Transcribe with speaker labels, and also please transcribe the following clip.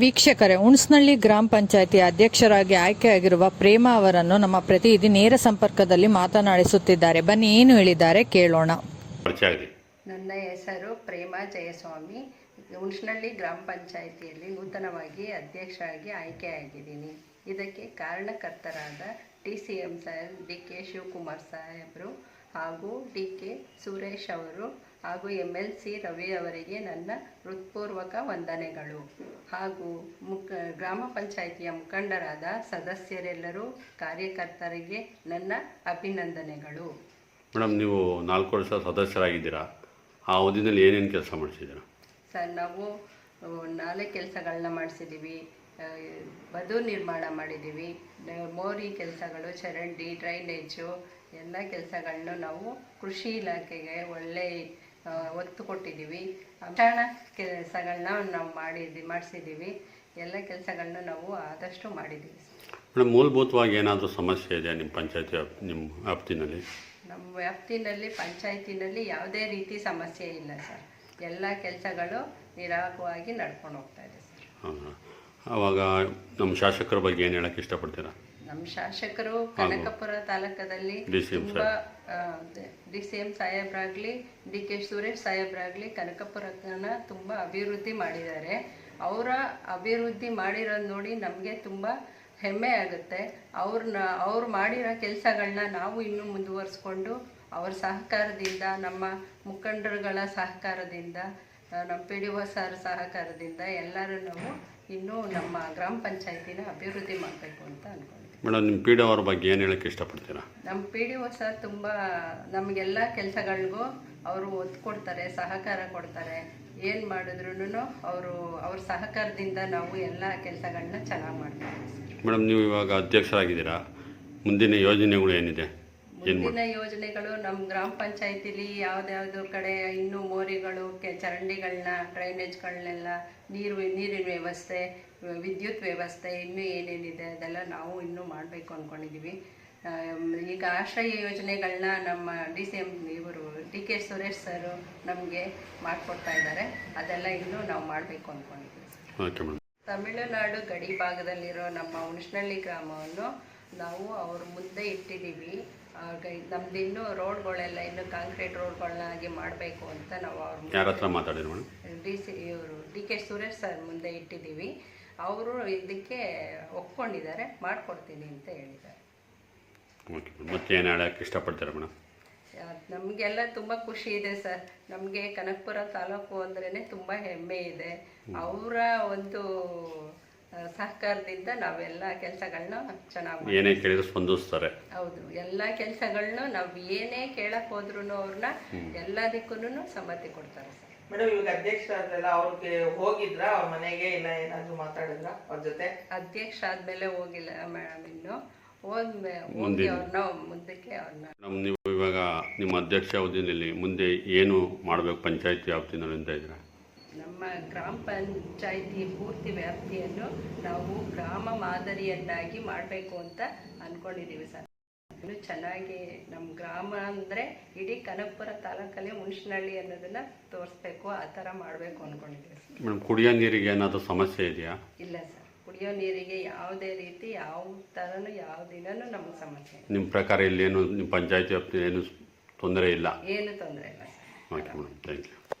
Speaker 1: ವೀಕ್ಷಕರೇ, ಹುಣಸನಹಳ್ಳಿ ಗ್ರಾಮ ಪಂಚಾಯಿತಿ ಅಧ್ಯಕ್ಷರಾಗಿ ಆಯ್ಕೆಯಾಗಿರುವ ಪ್ರೇಮಾ ಅವರನ್ನು ನಮ್ಮ ಪ್ರತಿನಿಧಿ ನೇರ ಸಂಪರ್ಕದಲ್ಲಿ ಮಾತನಾಡಿಸುತ್ತಿದ್ದಾರೆ. ಬನ್ನಿ, ಏನು ಹೇಳಿದ್ದಾರೆ ಕೇಳೋಣ.
Speaker 2: ನನ್ನ ಹೆಸರು ಪ್ರೇಮಾ ಜಯಸ್ವಾಮಿ. ಹುಣಸನಹಳ್ಳಿ ಗ್ರಾಮ ಪಂಚಾಯಿತಿಯಲ್ಲಿ ನೂತನವಾಗಿ ಅಧ್ಯಕ್ಷರಾಗಿ ಆಯ್ಕೆಯಾಗಿದ್ದೀನಿ. ಇದಕ್ಕೆ ಕಾರಣಕರ್ತರಾದ TCM ಸಾಹೇಬ್, DK ಶಿವಕುಮಾರ್ ಸಾಹೇಬರು ಹಾಗೂ DK ಸುರೇಶ್ ಅವರು ಹಾಗೂ MLC ರವಿ ಅವರಿಗೆ ನನ್ನ ಹೃತ್ಪೂರ್ವಕ ವಂದನೆಗಳು. ಹಾಗೂ ಗ್ರಾಮ ಪಂಚಾಯಿತಿಯ ಮುಖಂಡರಾದ ಸದಸ್ಯರೆಲ್ಲರೂ, ಕಾರ್ಯಕರ್ತರಿಗೆ ನನ್ನ ಅಭಿನಂದನೆಗಳು.
Speaker 3: ಮೇಡಮ್, ನೀವು 4 ವರ್ಷ ಸದಸ್ಯರಾಗಿದ್ದೀರಾ. ಆ ಅವಧಿನಲ್ಲಿ ಏನೇನು ಕೆಲಸ ಮಾಡಿಸಿದ್ದೀರಾ?
Speaker 2: ಸರ್, ನಾವು 4 ಕೆಲಸಗಳನ್ನ ಮಾಡಿಸಿದ್ದೀವಿ. ಬದು ನಿರ್ಮಾಣ ಮಾಡಿದ್ದೀವಿ, ಮೋರಿ ಕೆಲಸಗಳು, ಚರಂಡಿ, ಡ್ರೈನೇಜು ಎಲ್ಲ ಕೆಲಸಗಳನ್ನ ನಾವು ಕೃಷಿ ಇಲಾಖೆಗೆ ಒಳ್ಳೆ ಒತ್ತು ಕೊಟ್ಟಿದ್ದೀವಿ. ಅನುದಾನ ಕೆಲಸಗಳನ್ನ ನಾವು ಮಾಡಿಸಿದ್ದೀವಿ. ಎಲ್ಲ ಕೆಲಸಗಳನ್ನ ನಾವು ಆದಷ್ಟು ಮಾಡಿದ್ದೀವಿ.
Speaker 3: ಮೇಡಮ್, ಮೂಲಭೂತವಾಗಿ ಏನಾದರೂ ಸಮಸ್ಯೆ ಇದೆ ನಿಮ್ಮ ಪಂಚಾಯತಿ ನಿಮ್ಮ ವ್ಯಾಪ್ತಿನಲ್ಲಿ?
Speaker 2: ನಮ್ಮ ವ್ಯಾಪ್ತಿನಲ್ಲಿ ಪಂಚಾಯತಿನಲ್ಲಿ ಯಾವುದೇ ರೀತಿ ಸಮಸ್ಯೆ ಇಲ್ಲ ಸರ್. ಎಲ್ಲ ಕೆಲಸಗಳು ನಿರಾಳವಾಗಿ ನಡ್ಕೊಂಡು ಹೋಗ್ತಾ ಇದೆ ಸರ್.
Speaker 3: ಹಾಂ, ಆವಾಗ ನಮ್ಮ ಶಾಸಕರ ಬಗ್ಗೆ ಏನು ಹೇಳಕ್ಕೆ ಇಷ್ಟಪಡ್ತೀರಾ?
Speaker 2: ನಮ್ಮ ಶಾಸಕರು ಕನಕಪುರ ತಾಲೂಕದಲ್ಲಿ ತುಂಬ DCM ಸಾಹೇಬ್ರಾಗಲಿ, DK ಸುರೇಶ್ ಸಾಹೇಬ್ರಾಗಲಿ ಕನಕಪುರನ ತುಂಬ ಅಭಿವೃದ್ಧಿ ಮಾಡಿದ್ದಾರೆ. ಅವರ ಅಭಿವೃದ್ಧಿ ಮಾಡಿರೋದು ನೋಡಿ ನಮಗೆ ತುಂಬ ಹೆಮ್ಮೆ ಆಗುತ್ತೆ. ಅವ್ರು ಮಾಡಿರೋ ಕೆಲಸಗಳನ್ನ ನಾವು ಇನ್ನೂ ಮುಂದುವರಿಸ್ಕೊಂಡು ಅವ್ರ ಸಹಕಾರದಿಂದ, ನಮ್ಮ ಮುಖಂಡರುಗಳ ಸಹಕಾರದಿಂದ, ನಮ್ಮ PDO ಸರ್ ಸಹಕಾರದಿಂದ ಎಲ್ಲರೂ ನಾವು ಇನ್ನೂ ನಮ್ಮ ಗ್ರಾಮ ಪಂಚಾಯತಿನ ಅಭಿವೃದ್ಧಿ ಮಾಡಬೇಕು ಅಂತ ಅಂದ್ಕೊಂಡಿದ್ದೀವಿ.
Speaker 3: ಮೇಡಮ್, ನಿಮ್ಮ PDO ಅವ್ರ ಬಗ್ಗೆ ಏನು ಹೇಳಕ್ಕೆ ಇಷ್ಟಪಡ್ತೀರಾ?
Speaker 2: ನಮ್ಮ PDO ಸರ್ ತುಂಬ ನಮಗೆಲ್ಲ ಕೆಲಸಗಳಿಗೂ ಅವರು ಒತ್ತು ಕೊಡ್ತಾರೆ, ಸಹಕಾರ ಕೊಡ್ತಾರೆ. ಏನು ಮಾಡಿದ್ರು ಅವ್ರ ಸಹಕಾರದಿಂದ ನಾವು ಎಲ್ಲ ಕೆಲಸಗಳನ್ನ ಚೆನ್ನಾಗಿ ಮಾಡ್ತೀವಿ.
Speaker 3: ಮೇಡಮ್, ನೀವು ಇವಾಗ ಅಧ್ಯಕ್ಷರಾಗಿದ್ದೀರಾ. ಮುಂದಿನ ಯೋಜನೆಗಳು ಏನಿದೆ?
Speaker 2: ಮುಂದಿನ ಯೋಜನೆಗಳು ನಮ್ಮ ಗ್ರಾಮ ಪಂಚಾಯತಿಲಿ ಯಾವ್ದಾವ್ದು ಕಡೆ ಇನ್ನೂ ಮೋರಿಗಳು, ಚರಂಡಿಗಳನ್ನ, ಡ್ರೈನೇಜ್ಗಳನ್ನೆಲ್ಲ, ನೀರಿನ ವ್ಯವಸ್ಥೆ, ವಿದ್ಯುತ್ ವ್ಯವಸ್ಥೆ ಇನ್ನೂ ಏನೇನಿದೆ ಅದೆಲ್ಲ ನಾವು ಇನ್ನೂ ಮಾಡಬೇಕು ಅಂದ್ಕೊಂಡಿದ್ದೀವಿ. ಈಗ ಆಶ್ರಯ ಯೋಜನೆಗಳನ್ನ ನಮ್ಮ DCM ಇವರು DK ಸುರೇಶ್ ಸರ್ ನಮಗೆ ಮಾಡಿಕೊಡ್ತಾ ಇದ್ದಾರೆ. ಅದೆಲ್ಲ ಇನ್ನೂ ನಾವು ಮಾಡಬೇಕು ಅಂದ್ಕೊಂಡಿದ್ದೀವಿ. ತಮಿಳುನಾಡು ಗಡಿ ಭಾಗದಲ್ಲಿರೋ ನಮ್ಮ ಹುಣಸನಹಳ್ಳಿ ಗ್ರಾಮವನ್ನು ನಾವು ಅವ್ರ ಮುಂದೆ ಇಟ್ಟಿದ್ದೀವಿ. ನಮ್ದು ಇನ್ನೂ ರೋಡ್ಗಳೆಲ್ಲ ಇನ್ನೂ ಕಾಂಕ್ರೀಟ್ ರೋಡ್ಗಳನ್ನಾಗಿ ಮಾಡಬೇಕು ಅಂತ ನಾವು
Speaker 3: ಯಾರ ಹತ್ರ ಮಾತಾಡಿದ್ರು?
Speaker 2: ಇವರು DK ಸುರೇಶ್ ಸರ್ ಮುಂದೆ ಇಟ್ಟಿದ್ದೀವಿ. ಅವರು ಇದಕ್ಕೆ ಒಪ್ಕೊಂಡಿದ್ದಾರೆ, ಮಾಡಿಕೊಡ್ತೀನಿ ಅಂತ ಹೇಳಿದ್ದಾರೆ.
Speaker 3: ಮತ್ತೆ ಏನು ಹೇಳಕ್ಕೆ ಇಷ್ಟಪಡ್ತಾರೆ ಮೇಡಮ್?
Speaker 2: ನಮಗೆಲ್ಲ ತುಂಬ ಖುಷಿ ಇದೆ ಸರ್. ನಮಗೆ ಕನಕಪುರ ತಾಲೂಕು ಅಂದ್ರೇ ತುಂಬ ಹೆಮ್ಮೆ ಇದೆ. ಅವರ ಒಂದು ಸಹಕಾರದಿಂದ ನಾವೆಲ್ಲ ಕೆಲಸಗಳನ್ನ ಚೆನ್ನಾಗಿ
Speaker 3: ಏನೇ ಕೇಳಿದ್ರು ಸ್ಪಂದಿಸ್ತಾರೆ.
Speaker 2: ಹೌದು, ಎಲ್ಲ ಕೆಲಸಗಳನ್ನ ನಾವು ಏನೇ ಕೇಳಕ್ ಹೋದ್ರು ಅವ್ರನ್ನ ಎಲ್ಲದಕ್ಕೂ ಸಮ್ಮತಿ ಕೊಡ್ತಾರೆ ಸರ್.
Speaker 4: ಮೇಡಮ್, ಇವಾಗ ಅಧ್ಯಕ್ಷ ಆದ್ರಲ್ಲ, ಅವ್ರಿಗೆ ಹೋಗಿದ್ರ ಅವ್ರ ಮನೆಗೆ, ಇಲ್ಲ ಏನಾದ್ರು ಮಾತಾಡಿದ್ರ ಅವ್ರ ಜೊತೆ?
Speaker 2: ಅಧ್ಯಕ್ಷ ಆದ್ಮೇಲೆ ಹೋಗಿಲ್ಲ ಮೇಡಮ್, ಇನ್ನು ಹೋಗಿ ಅವ್ರನ್ನ ಮುಂದಕ್ಕೆ ಅವ್ರನ್ನ.
Speaker 3: ನೀವು ಇವಾಗ ನಿಮ್ಮ ಅಧ್ಯಕ್ಷ ಅವಧಿಯಲ್ಲಿ ಮುಂದೆ ಏನು ಮಾಡಬೇಕು ಪಂಚಾಯತಿ ವ್ಯಾಪ್ತಿನಲ್ಲಿ ಅಂತ ಇದ್ದೀರಾ?
Speaker 2: ನಮ್ಮ ಗ್ರಾಮ ಪಂಚಾಯಿತಿ ಪೂರ್ತಿ ವ್ಯಾಪ್ತಿಯನ್ನು ನಾವು ಗ್ರಾಮ ಮಾದರಿಯನ್ನಾಗಿ ಮಾಡಬೇಕು ಅಂತ ಅಂದ್ಕೊಂಡಿದ್ದೀವಿ ಸರ್. ಇನ್ನು ಚೆನ್ನಾಗಿ ನಮ್ಮ ಗ್ರಾಮ ಅಂದರೆ ಇಡೀ ಕನಕಪುರ ತಾಲೂಕಲ್ಲಿ ಹುಣಸನಹಳ್ಳಿ ಅನ್ನೋದನ್ನ ತೋರಿಸ್ಬೇಕು, ಆ ಥರ ಮಾಡಬೇಕು ಅಂದ್ಕೊಂಡಿದ್ದೀವಿ ಸರ್.
Speaker 3: ಮೇಡಮ್, ಕುಡಿಯೋ ನೀರಿಗೆ ಏನಾದರೂ ಸಮಸ್ಯೆ ಇದೆಯಾ?
Speaker 2: ಇಲ್ಲ ಸರ್, ಕುಡಿಯೋ ನೀರಿಗೆ ಯಾವುದೇ ರೀತಿ ಯಾವ ಥರನೂ ಯಾವ ದಿನನೂ ನಮಗೆ ಸಮಸ್ಯೆ.
Speaker 3: ನಿಮ್ಮ ಪ್ರಕಾರ ಇಲ್ಲಿ ಏನು ನಿಮ್ಮ ಪಂಚಾಯತಿ ವ್ಯಾಪ್ತಿ ಏನು ತೊಂದರೆ ಇಲ್ಲ?
Speaker 2: ಏನು ತೊಂದರೆ ಇಲ್ಲ sir.
Speaker 3: Okay madam, thank you.